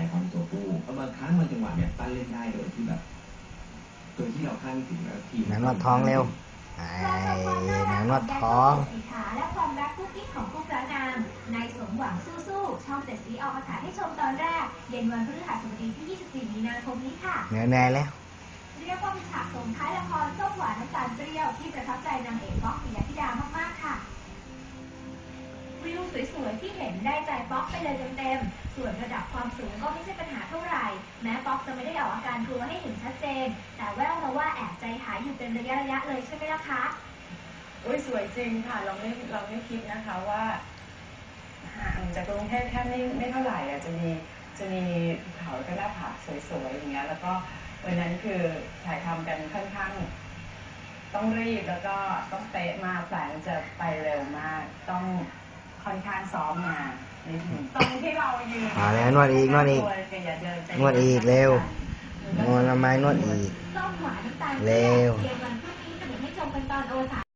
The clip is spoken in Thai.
ความตัวผู้บางครั้งบางจังหวะเนี่ยปั้นเล่นได้โดยที่แบบโดยที่เราคาดไม่ถึงแล้วทีมหนังนวดท้องเร็วหนังนวดท้องสีขาและความรักกุ๊กกิ๊กของคู่พระนางในสมหวังสู้ๆช่อง7สีออกอากาศให้ชมตอนแรกเย็นวันพฤหัสบดีที่24มีนาคมนี้ค่ะเหนื่อยแล้วเรียกว่าเป็นฉากส่งท้ายละครส้มหวานน้ำตาลเปรี้ยวที่ประทับใจนางเอกป๊อกปิยธิดามากๆค่ะวิวสวยๆที่เห็นได้ใจป๊อกไปเลยเต็มๆส่วนระดับความสูงก็ไม่ใช่ปัญหาเท่าไหร่แม้ป๊อกจะไม่ได้ออกอาการกลัวให้เห็นชัดเจนแต่แววมาว่าแอบใจหายอยู่เป็นระยะเลยใช่ไหมล่ะคะสวยจริงค่ะเราไม่คิดนะคะว่าห่างจากกรุงเทพแค่ไม่เท่าไหร่จะมีภูเขาแล้วก็หน้าผาสวยๆอย่างเงี้ยแล้วก็วันนั้นคือถ่ายทำกันค่อนข้างต้องรีบแล้วก็ต้องเป๊ะมากแสงจะไปเร็วมากต้องค่อนข้างซ้อมมานิดนึงตรงที่เรายืนแล้วนวดอีกเร็วนวดทำไมนวดอีกเร็ว